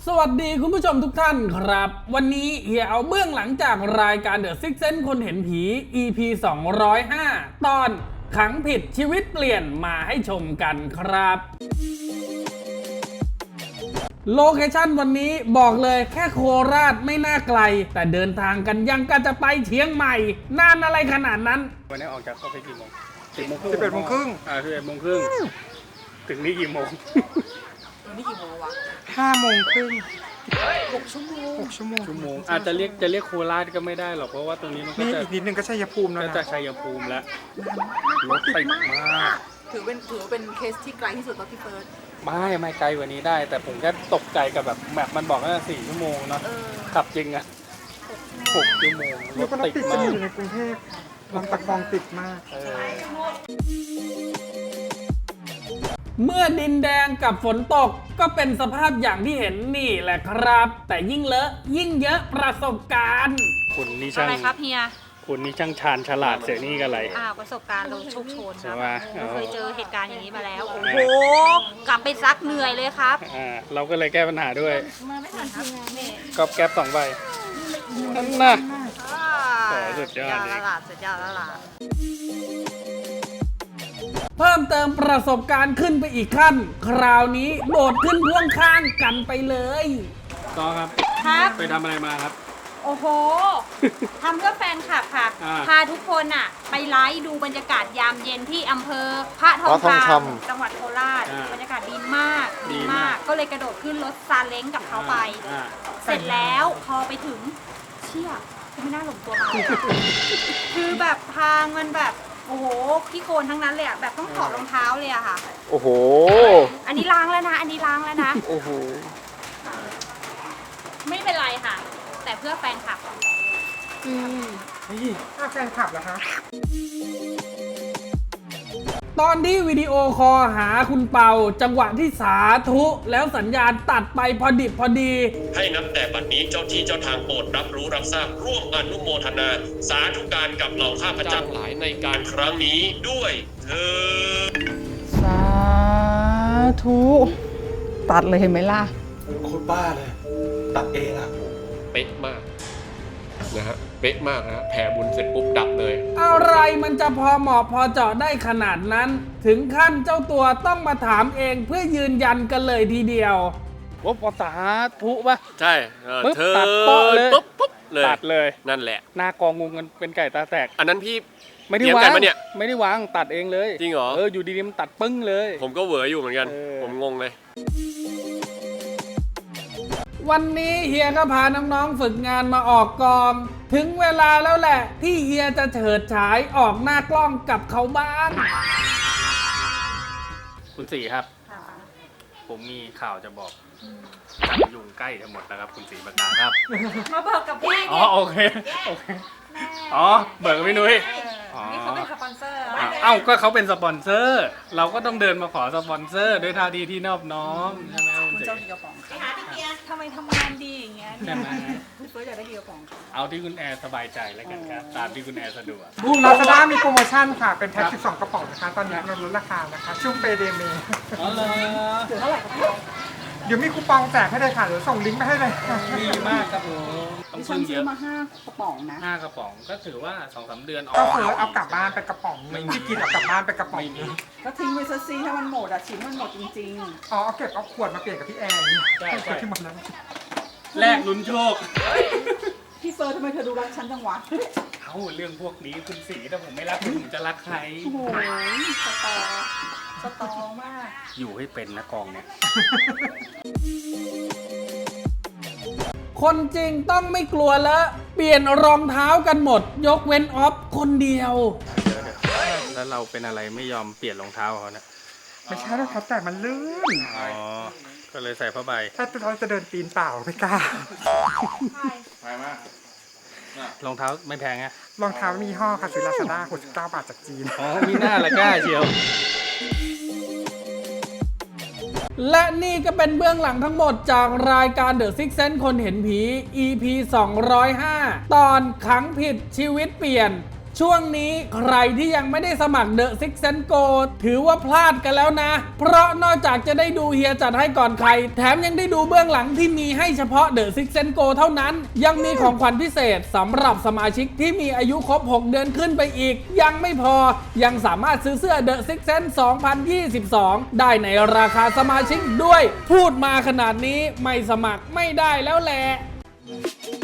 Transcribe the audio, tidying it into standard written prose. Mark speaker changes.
Speaker 1: สวัสดีคุณผู้ชมทุกท่านครับ วันนี้เฮียเอาเบื้องหลังจากรายการ The Sixth Sense คนเห็นผี EP 205 ตอนขังผิดชีวิตเปลี่ยนมาให้ชมกันครับโลเคชั่นวันนี้บอกเลยแค่โคราชไม่น่าไกล แต่เดินทางกันยังกันจะไปเชียงใหม่นานอะไรขนาดนั้นวันนี้ออกจากเข้าไปกี่โมง
Speaker 2: 11 โมงครึ่ง
Speaker 1: 11 โมงครึ่งถึงนี่กี่โมง
Speaker 3: นี่กี่โมงวะ
Speaker 2: 5 โมงครึ่ง
Speaker 3: 6 ชั่วโมง
Speaker 1: ชั่วโมงอาจจะเรียกโคราชก็ไม่ได้หรอกเพราะว่าตรงนี้มันก็จะ
Speaker 2: อีกนิดนึงก็ชัยภูมิแล้วนะ
Speaker 1: ก็จะชัยภูมิแล้วรถติดมาก
Speaker 3: ถือว่าเป็นเคสที่ไกลที่สุดตอนที่เฟิร์ส
Speaker 1: ไม่ไกลกว่านี้ได้แต่ผมแค่ตกใจกับแบบแมปมันบอกว่า4 ชั่วโมงเนาะขับจริงอะ6 ชั่วโมงรถติดมาก
Speaker 2: อยู่ในกรุงเทพลำตะคองติดมาก
Speaker 1: เมื่อดินแดงกับฝนตกก็เป็นสภาพอย่างที่เห็นนี่แหละครับแต่ยิ่งเลอะยิ่งเยอะประสบการณ์คุณนี่ช่าง
Speaker 4: อะไรครับเฮีย
Speaker 1: คุณนี่ช่างชาญฉลาดเสียนี่กันอะไร
Speaker 4: ประสบการณ์เราโชคโชนค
Speaker 1: รั
Speaker 4: บ
Speaker 1: ไม่
Speaker 4: เคยเจอเหตุการณ์อย่างนี้มาแล้วโอ้โหกลับไปซักเหนื่อยเลยครับ
Speaker 1: เราก็เลยแก้ปัญหาด้วย
Speaker 4: ไม่ทันทีนี่
Speaker 1: กอบแก๊บ2 ใบนั่นนะสุดยอด
Speaker 4: เลยสุดยอดแล้วล่ะ
Speaker 1: เพิ่มเติมประสบการณ์ขึ้นไปอีกขั้นคราวนี้โดดขึ้นพ่วงข้างกันไปเลยต่อครับไปทำอะไรมาครับ
Speaker 4: โอ้โหทำเพื่อแฟนคลับค่ะพาทุกคนไปไลฟ์ดูบรรยากาศยามเย็นที่อำเภอพระทองคำจังหวัดโคราชบรรยากาศดีมากก็เลยกระโดดขึ้นรถซาเล้งกับเขาไปเสร็จแล้วพอไปถึงเชี่ยไม่น่าหลงตัวมาคือแบบทางมันแบบโอ้โหขี้โคลนทั้งนั้นเลยแบบต้องถอดรองเท้าเลยค่ะ
Speaker 1: โอ้โห
Speaker 4: อันนี้ล้างแล้วนะ
Speaker 1: โอ้โห
Speaker 4: ไม่เป็นไรค่ะแต่เพื่อแฟนคลับ
Speaker 2: แฟนคลับเหรอคะ
Speaker 1: ตอนที่วิดีโอคอลหาคุณเปาจังหวะที่สาธุแล้วสัญญาณตัดไปพอดิบพอดี
Speaker 5: ให้นับแต่บัดนี้เจ้าที่เจ้าทางโปรดรับรู้รับทราบร่วมอนุโมทนาสาธุการกับเหล่าข้าพเจ้าหลายในการครั้งนี้ด้วยเถิด
Speaker 3: สาธุตัดเลยเห็นไหมล่ะ
Speaker 6: โคตรบ้าเลยตัดเองอะ
Speaker 5: เป๊ะมากนะฮะเป๊ะมากนะแผ่บุญเสร็จปุ๊บดับเลย
Speaker 1: อะไรมันจะพอเหมาะพอเจาะได้ขนาดนั้นถึงขั้นเจ้าตัวต้องมาถามเองเพื่อยืนยันกันเลยทีเดียวว่าภาษาทุป่ะ
Speaker 5: ใช่
Speaker 1: เธอตัดป๊อเลย
Speaker 5: ปุ๊บเลย
Speaker 1: ตัดเลย
Speaker 5: นั่นแหละ
Speaker 1: หน้ากองงูกันเป็นไก่ตาแตก
Speaker 5: อันนั้นพี่
Speaker 1: ไม่ได้วางไม่ได้วางตัดเองเลย
Speaker 5: จริงเหรอ
Speaker 1: อยู่ดีๆมันตัดปึ้งเลย
Speaker 5: ผมก็เหวออยู่เหมือนกันผมงงเลย
Speaker 1: วันนี้เฮียก็พาน้องๆฝึกงานมาออกกองถึงเวลาแล้วแหละที่เฮียจะเฉิดฉายออกหน้ากล้องกับเขาบ้างคุณสีครับผมมีข่าวจะบอกยุงใกล้จะหมดแล้วครับคุณสีประกาศครับ
Speaker 4: มาเบิกกับพี่
Speaker 1: โอเคเบิกกับพี่นุ้ย
Speaker 4: นี่เขาเป็นสปอนเซอร์
Speaker 1: ก็เขาเป็นสปอนเซอร์เราก็ต้องเดินมาขอสปอนเซอร์ด้วยท่าทีที่นอบน้อมใช่ไหม
Speaker 4: คุณเจ้าดีกระป๋องทำไมทำงานดีอย่างเงี้ยพี่เฟิร์สอยากได้ดีกระป๋อง
Speaker 1: เอาที่คุณแอร์สบายใจแล้วกันครับตามที่คุณแอร์สะดวก
Speaker 2: ลาซาด้ามีโปรโมชั่นค่ะเป็นแพ็ค12 กระป๋องนะคะตอนนี้เราลดราคานะคะช่วงเปเดเม
Speaker 4: เท่าไหร่ครับ
Speaker 2: เดี๋ยวมีคูปองแจกให้เลยค่ะเดี๋ยวส่งลิงก์ไปให้เลย
Speaker 1: ดีมากครับผม
Speaker 3: ต้องซื้อมา5 กระป๋องนะ
Speaker 1: 5 กระป๋องก็ถือว่า 2-3 เดือน
Speaker 2: ก็คือเอากลับบ้านไปกระป๋องไม่กินเอากลับบ้านไปกระป๋อง
Speaker 3: ก็ทิ้งไว้ซัซีถ้ามันหมดชิ้นมันหมดจริงๆ
Speaker 2: เอาเก็บเอาขวดมาเปลี่ยนกับพี่แอน
Speaker 1: ใช่
Speaker 2: ที่มันนั้น
Speaker 1: แลกลุ้นโชค
Speaker 3: พี่เฟิร์สทำไมเธอดูรักฉันจังวะ
Speaker 1: เรื่องพวกนี้คุณสีถ้าผมไม่รักผมจะรักใคร
Speaker 3: โอ้โหสตอมาก
Speaker 1: อยู่ให้เป็นนะกองเนี่ยคนจริงต้องไม่กลัวแล้วเปลี่ยนรองเท้ากันหมดยกเว้นออฟคนเดียวแล้วเราเป็นอะไรไม่ยอมเปลี่ยนรองเท้าเขาเนี่ย
Speaker 2: ไม่ใช่แล้วครับแต่มันลื่น
Speaker 1: ก็เลยใส่ผ้าใบ
Speaker 2: ถ้าเราจะเดินตีนเปล่าไม่กล้า
Speaker 1: ไปมากรองเท้าไม่แพงไง
Speaker 2: รองเท้ามีห่อค่ะซื้อลาซาด้า69 บาทจากจีน
Speaker 1: มีหน้าละกล้าเชียวและนี่ก็เป็นเบื้องหลังทั้งหมดจากรายการ The Sixth Sense คนเห็นผี EP 205 ตอนขังผิดชีวิตเปลี่ยนช่วงนี้ใครที่ยังไม่ได้สมัคร The Six Sense Go ถือว่าพลาดกันแล้วนะ เพราะนอกจากจะได้ดูเฮียจัดให้ก่อนใครแถมยังได้ดูเบื้องหลังที่มีให้เฉพาะ The Six Sense Go เท่านั้นยังมีของขวัญพิเศษสำหรับสมาชิกที่มีอายุครบ 6 เดือนขึ้นไปอีกยังไม่พอยังสามารถซื้อเสื้อ The Six Sense 2022 ได้ในราคาสมาชิกด้วยพูดมาขนาดนี้ไม่สมัครไม่ได้แล้วแหละ